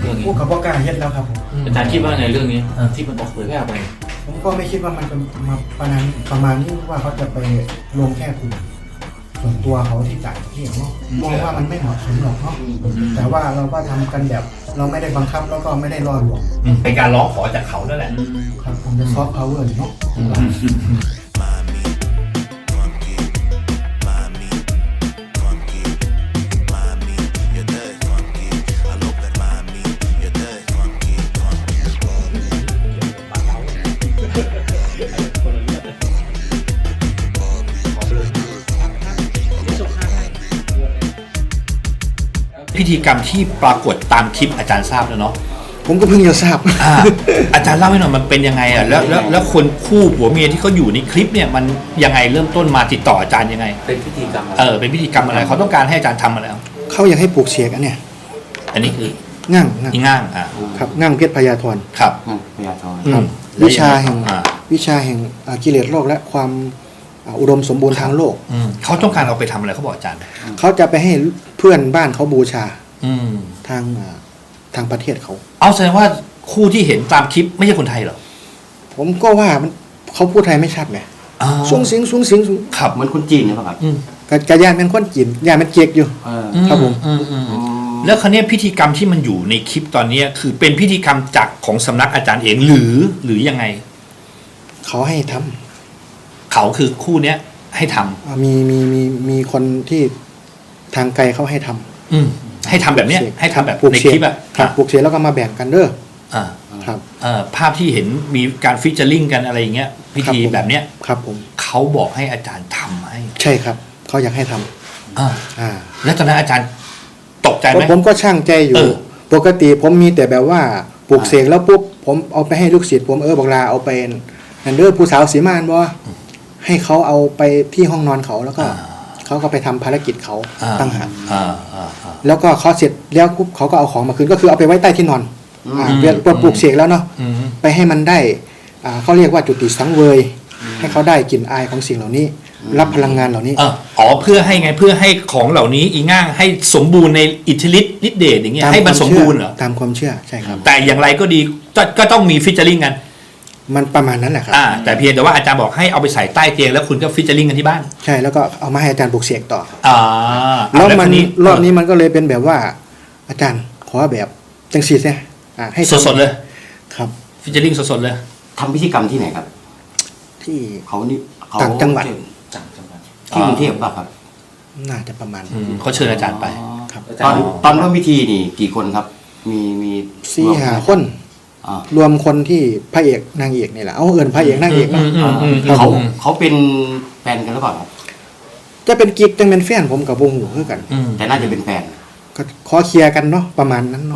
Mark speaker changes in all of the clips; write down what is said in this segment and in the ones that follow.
Speaker 1: รื่องนี้
Speaker 2: ผู้กับว่าการเฮ็ดแล้วครับผม
Speaker 1: อาจารย์คิดว่าไงเรื่องนี้ที่มันออกเผยแพร่ไป
Speaker 2: ผมก็ไม่คิดว่ามันจะมาประมาณนี้ว่าเขาจะไปลงแค่กลุ่มส่วนตัวเขาที่จ่ายที่เนาะมองว่ามันไม่เหมาะสมหรอกเนาะแต่ว่าเราก็ทำกันแบบเราไม่ได้บังคับแล้วก็ไม่ได้ล่อลวง
Speaker 3: เป็นการร้องขอจากเขานั่นแหละ
Speaker 2: ครับผมจะซอฟต์พาวเวอร์เนาะ
Speaker 3: พิธีกรรมที่ปรากฏตามคลิปอาจารย์ทราบแล้วเนาะ
Speaker 2: ผมก็เพิ่งจะทราบ
Speaker 3: อาจารย์เล่าให้หน่อยมันเป็นยังไงอ่ะแล้วคนคู่ผัวเมียที่เขาอยู่ในคลิปเนี่ยมันยังไงเริ่มต้นมาติดต่ออาจารย์ยังไง
Speaker 1: เป็นพิธีกรรมอะไร
Speaker 3: เป็นพิธีกรรมอะไรเขาต้องการให้อาจารย์ทำมาแล้ว
Speaker 2: เขาอยากให้ปลูกเสกอันเนี่ย
Speaker 3: อันนี้คือ
Speaker 2: ง่าง
Speaker 3: อีง่าง
Speaker 2: ครับง่างเพชรพยาธร
Speaker 3: ครับ
Speaker 1: พยาธร
Speaker 2: ครับ
Speaker 3: แล้ว
Speaker 2: วิชาแห่ง
Speaker 3: อ่า
Speaker 2: วิชาแห่งกิเลสโลกและความอุดมสมบูรณ์ทางโลก
Speaker 3: เขาต้องการเอาไปทำอะไรเขาบอกอาจารย์
Speaker 2: เขาจะไปให้เพื่อนบ้านเขาบูชา
Speaker 3: อืม
Speaker 2: ทางประเทศเขา
Speaker 3: เอาแสดงว่าคู่ที่เห็นตามคลิปไม่ใช่คนไทยเหรอ
Speaker 2: ผมก็ว่ามันเขาพูดไทยไม่ชัดไหม
Speaker 3: อ๋อ
Speaker 2: สูงสิงสูงสิงสูง
Speaker 3: ครับ
Speaker 1: เหมือนคนจีนหรือเปล่าครับ
Speaker 2: กระยานเป็นคนจีนยานมันเจียกอยู่ ครับผม
Speaker 3: แล้วคราวนี้พิธีกรรมที่มันอยู่ในคลิปตอนนี้คือเป็นพิธีกรรมจากของสำนักอาจารย์เองหรือยังไง
Speaker 2: เขาให้ทำ
Speaker 3: เขาคือคู่เนี้ยให้ทำ
Speaker 2: มีคนที่ทางไกลเขาให้ทำ
Speaker 3: ให้ทำแบบเนี้ยให้ทำแบบ
Speaker 2: ปลูก
Speaker 3: ใน
Speaker 2: เส
Speaker 3: คลิ
Speaker 2: ก
Speaker 3: ปอ่ะ
Speaker 2: ครับปลูกเสกแล้วก็มาแบ่งกันเด้อ
Speaker 3: อ่า
Speaker 2: ครับ
Speaker 3: ภาพที่เห็นมีการฟิชเจอริงกันอะไรอย่างเงี้ยพิธีแบบเนี้ย
Speaker 2: ครับผม
Speaker 3: เขาบอกให้อาจารย์ทำให้
Speaker 2: ใช่ครับเขาอยากให้ทำ
Speaker 3: อ่าแล้วตอนนั้นอาจารย์ตกใจไหม
Speaker 2: ผมก็ช่างใจอยู่ ปกติผมมีแต่แบบว่าปลูกเสกแล้วปุ๊บผมเอาไปให้ลูกศิษย์ผมบอกลาเอาไปนันเดอร์ผู้สาวสีมานบ่ให้เขาเอาไปที่ห้องนอนเขาแล้วก็เขาก็ไปทำภารกิจเขาตั้งหากแล้วก็เขาเสร็จแล้วปุ๊บเขาก็เอาของมาคืนก็คือเอาไปไว้ใต้ที่นอนเวลาปลูกเสกแล้วเนาะไปให้มันได้เขาเรียกว่าจุติสังเวย ให้เขาได้กลิ่นอายของสิ่งเหล่านี้ รับพลังงานเหล่านี้
Speaker 3: เพื่อให้ไงเพื่อให้ของเหล่านี้อีง่างให้สมบูรณ์ในอิทธิฤทธิ์ฤทธิเดชอย่างเงี้ยให้มันสมบูรณ์เหรอ
Speaker 2: ตามความเชื่อใช่ครับ
Speaker 3: แต่อย่างไรก็ดีก็ต้องมีฟิชเจอริงกัน
Speaker 2: มันประมาณนั้นแหละครับ
Speaker 3: แต่เพียงแต่ว่าอาจารย์บอกให้เอาไปใส่ใต้เตียงแล้วคุณก็ฟิชเจอริงกันที่บ้าน
Speaker 2: ใช่แล้วก็เอามาให้อาจารย์ปลูกเสกต่อ
Speaker 3: แล้ว
Speaker 2: มัน
Speaker 3: นี้
Speaker 2: รอบนี้มันก็เลยเป็นแบบว่า อาจารย์ขอแบบจังสีเนี่ยให้
Speaker 3: สดๆเลย
Speaker 2: ครับ
Speaker 3: ฟิชเจอริงสดๆเลย
Speaker 1: ทำพิธีกรรมที่ไหนครับ
Speaker 2: ที่
Speaker 1: เขานี่เขา
Speaker 2: ต่างจังหวัด
Speaker 1: ที่กรุงเทพป่ะครับ
Speaker 2: น่าจะประมาณ
Speaker 3: เขาเชิญอาจารย์ไป
Speaker 2: ครับ
Speaker 1: ตอนร่วมพิธีนี่กี่คนครับ มี
Speaker 2: 4-5 คนรวมคนที่พระเอกนางเอกนี่แหละเอาเอิญพระเอกนางเอกเนาะ
Speaker 1: เขาเป็นแฟนกันหรือเปล่าครับ
Speaker 2: จะเป็นกิ๊กจังเป็นแฟนผมกับวงหูคือกัน
Speaker 1: แต่น่าจะเป็นแฟน
Speaker 2: ก็ขอเคลียร์กันเนาะประมาณนั้นเนาะ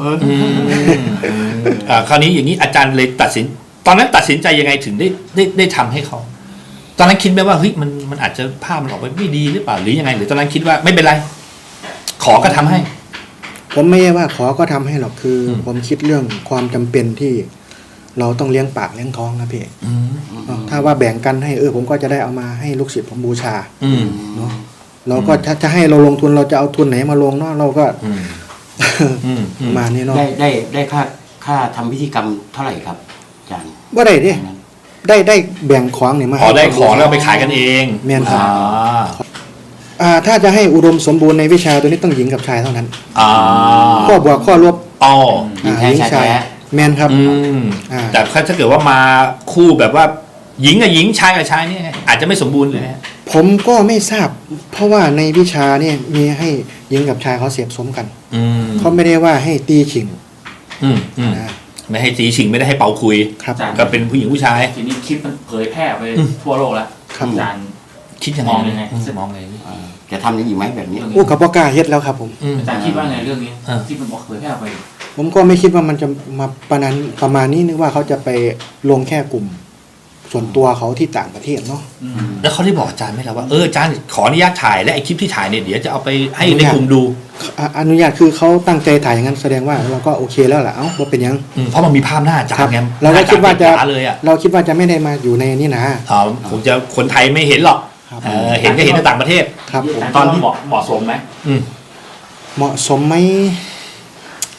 Speaker 3: คราวนี้อย่างนี้อาจารย์เลยตัดสินตอนนั้นตัดสินใจยังไงถึงได้ทำให้เขาตอนนั้นคิดไหมว่าเฮ้ยมันอาจจะภาพมันออกไปไม่ดีหรือเปล่าหรือยังไงหรือตอนนั้นคิดว่าไม่เป็นไรขอก็ทำให้
Speaker 2: ผมไม่ใช่ว่าขอก็ทำให้หรอกคือผมคิดเรื่องความจำเป็นที่เราต้องเลี้ยงปากเลี้ยงท้องนะพี่ถ้าว่าแบ่งกันให้ผมก็จะได้เอามาให้ลูกศิษย์ผมบูชาเนาะเราก็จะให้เราลงทุนเราจะเอาทุนไหนมาลงเนาะเราก็มาเนี่ยเนาะ
Speaker 1: ได้ค่าทำพิธีกรรมเท่าไหร่ครับอาจารย์
Speaker 2: ว่าได้ดิได้แบ่งของเนี่ยมา
Speaker 3: ได้ของแล้วไปขายกันเอง
Speaker 2: แม่นครับถ้าจะให้อุดมสมบูรณ์ในวิชาตัวนี้ต้องหญิงกับชายเท่านั้นข้อบวกข้อลบ
Speaker 1: หญิงแท้ชาย
Speaker 2: แม่นครับ
Speaker 3: แต่ถ้าเกิดว่ามาคู่แบบว่าหญิงกับหญิงชายกับชายนี่อาจจะไม่สมบูรณ์เลย
Speaker 2: ผมก็ไม่ทราบเพราะว่าในวิชาเนี่ยมีให้หญิงกับชายเขาเสียบสมกันเขาไม่ได้ว่าให้ตีฉิง
Speaker 3: ไม่ให้ตีฉิงไม่ได้ให้เป่าคุยก็เป็นผู้หญิงผู้ชาย
Speaker 4: ทีนี้คลิปมันเผยแพร่ไปทั่วโลกแล้วอาจารย์
Speaker 3: คิดยังไง
Speaker 4: มองยังไง
Speaker 1: จะทำยังอีกไหมแบบนี้
Speaker 2: กับพ่อกล้าเฮ็ดแล้วครับผม
Speaker 4: อาจารย์คิดว่าไงเรื่องนี้ที่มันเผยแพร่ไป
Speaker 2: ผมก็ไม่คิดว่ามันจะมาประมาณนี้นึกว่าเขาจะไปลงแค่กลุ่มส่วนตัวเขาที่ต่างประเทศเนาะ
Speaker 3: แล้วเขาได้บอกอาจารย์ไหมล่ะว่าอาจารย์ขออนุญาตถ่ายและไอคลิปที่ถ่ายเนี่ยเดี๋ยวจะเอาไปให้ในกลุ่มดู
Speaker 2: อนุญาตคือเขาตั้งใจถ่ายอย่างนั้นแสดงว่าเราก็โอเคแล้วแหละว่าเป็นยัง
Speaker 3: เพราะมันมีภาพหน้าอาจารย์ไง
Speaker 2: เราคิดว่าจะเราคิดว่าจะไม่ได้มาอยู่ในนี้นะ
Speaker 3: ผมจะคนไทยไม่เห็นหรอกเห็นก็เห็นในต่างประเทศ
Speaker 4: ครับตอนที่เหมาะสมไหม
Speaker 2: เหมาะสมไหม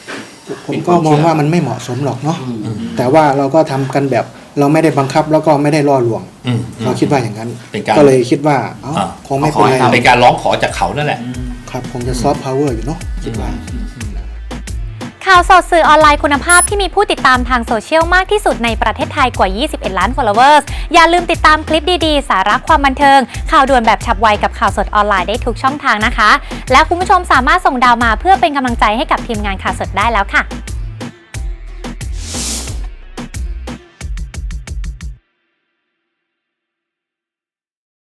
Speaker 2: ผมก็มองว่ามันไม่เหมาะสมหรอกเนาะ
Speaker 1: อืม
Speaker 2: แต่ว่าเราก็ทำกันแบบเราไม่ได้บังคับแล้วก็ไม่ได้ล่อลวง เราคิดว่าอย่างนั้น
Speaker 3: เป็นการ
Speaker 2: ก็เลยคิดว่าคงไม่เป็นไร
Speaker 3: เป็นการร้องขอจากเขานั่นแหละ
Speaker 2: ครับคงจะซอฟต์พาวเวอร์อยู่เนาะคิดว่า
Speaker 5: ข่าวสดสื่อออนไลน์คุณภาพที่มีผู้ติดตามทางโซเชียลมากที่สุดในประเทศไทยกว่า 21 ล้าน followers อย่าลืมติดตามคลิปดีๆ สาระความบันเทิง ข่าวด่วนแบบฉับไวกับข่าวสดออนไลน์ได้ทุกช่องทางนะคะ และคุณผู้ชมสามารถส่งดาวมาเพื่อเป็นกำลังใจให้กับทีมงานข่าวสดได้แล้วค่ะ